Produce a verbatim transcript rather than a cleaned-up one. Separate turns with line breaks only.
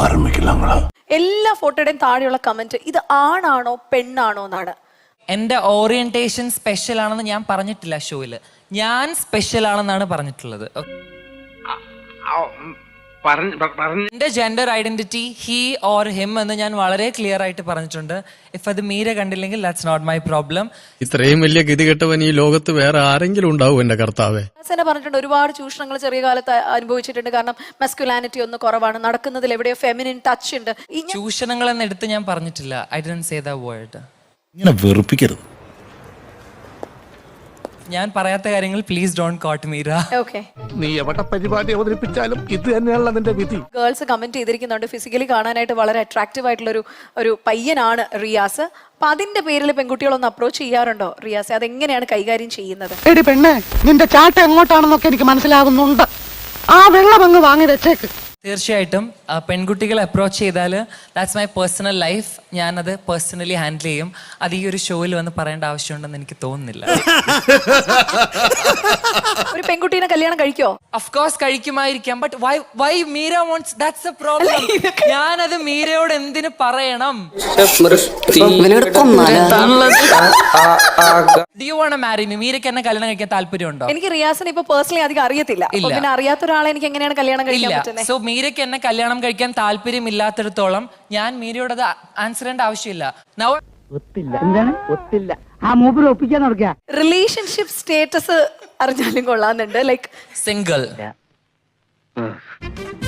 ആരംഭിക്കില്ലാങ്ങളാ.
എല്ലാ ഫോട്ടോയുടെയും താഴെയുള്ള കമന്റ് ഇത് ആണാണോ പെണ്ണാണോ എന്നാണ്.
എന്റെ ഓറിയന്റേഷൻ സ്പെഷ്യൽ ആണെന്ന് ഞാൻ പറഞ്ഞിട്ടില്ല ഷോയില്. ഞാൻ സ്പെഷ്യൽ ആണെന്നാണ് പറഞ്ഞിട്ടുള്ളത്. എന്റെ gender identity he or him എന്ന് ഞാൻ വളരെ ക്ലിയർ ആയിട്ട് പറഞ്ഞിട്ടുണ്ട്. ഇഫ് അത് മീര കണ്ടില്ലെങ്കിൽ ദാറ്റ്സ് നോട്ട് മൈ പ്രോബ്ലം.
ഇത്രയും വലിയ ഗതികെട്ടവൻ ഈ ലോകത്ത് വേറെ ആരെങ്കിലും ഉണ്ടാവും എന്റെ കർത്താവേ.
തന്നെ പറഞ്ഞിട്ടുണ്ട് ഒരുപാട് ചൂഷണങ്ങൾ ചെറിയ കാലത്ത് അനുഭവിച്ചിട്ടുണ്ട്. കാരണം മസ്കുലാനിറ്റി ഒന്ന് കുറവാണ്, നടക്കുന്നതിൽ എവിടെയോ ഫെമിനിൻ ടച്ച് ഉണ്ട്.
ചൂഷണങ്ങൾ എന്ന് എടുത്ത് ഞാൻ പറഞ്ഞിട്ടില്ല. I didn't say that word.
ഇങ്ങനെ വെറുപ്പിക്കരുത്.
ഞാൻ പറയാത്ത കാര്യങ്ങൾ please don't quote Meera.
Okay,
നീ എവിടെ പരിപാടി അവതരിപ്പിച്ചാലും ഇത് തന്നെയാണല്ലോ നിന്റെ വിധി.
ഗേൾസ് കമന്റ് ചെയ്തിരിക്കുന്നുണ്ട് ഫിസിക്കലി കാണാനായിട്ട് വളരെ അട്രാക്റ്റീവ് ആയിട്ടുള്ള ഒരു ഒരു പയ്യനാണ് റിയാസ്. അപ്പൊ അതിന്റെ പേരിൽ പെൺകുട്ടികളൊന്ന് അപ്രോച്ച് ചെയ്യാറുണ്ടോ റിയാസ്? അതെങ്ങനെയാണ് കൈകാര്യം ചെയ്യുന്നത്?
എടി പെണ്ണെ, നിന്റെ ചാട്ട എങ്ങോട്ടാണെന്നൊക്കെ എനിക്ക് മനസ്സിലാകുന്നുണ്ട്. ആ വെള്ളം അങ്ങ് വാങ്ങി വെച്ചേക്ക്.
തീർച്ചയായിട്ടും പെൺകുട്ടികളെ അപ്രോച്ച് ചെയ്താൽ ദാറ്റ്സ് മൈ പേഴ്സണൽ ലൈഫ്. ഞാനത് പേഴ്സണലി ഹാൻഡിൽ ചെയ്യും. അത് ഈ ഒരു ഷോയിൽ വന്ന് പറയേണ്ട ആവശ്യമുണ്ടെന്ന് എനിക്ക് തോന്നുന്നില്ല.
ഒരു പെൺകുട്ടീനെ കല്യാണം കഴിക്കോ?
ഓഫ് കോഴ്സ് കഴിക്കുമായിരിക്കാം. But why why Meera wants that's a problem. ഞാനത് മീരയോട് എന്തിനു പറയണം? Do you want to marry me? മീരയ്ക്ക് എന്നെ കല്യാണം കഴിക്കാൻ താല്പര്യമുണ്ടോ?
എനിക്ക് റിയാസിനെ ഇപ്പൊ പേഴ്സണലി അധികം അറിയത്തില്ല. പിന്നെ അറിയാത്ത ഒരാളെ എനിക്ക് എങ്ങനെയാണ് കല്യാണം കഴിക്കാൻ പറ്റുന്നത്?
സോ മീരയ്ക്ക് എന്നെ കല്യാണം കഴിക്കാൻ താല്പര്യമില്ലാത്തിടത്തോളം ഞാൻ മീരയോട് അത് ആൻസർ ചെയ്യേണ്ട ആവശ്യമില്ല.
റിലേഷൻഷിപ്പ് സ്റ്റേറ്റസ് അറിഞ്ഞാലും കൊള്ളാന്നുണ്ട്. Like
single.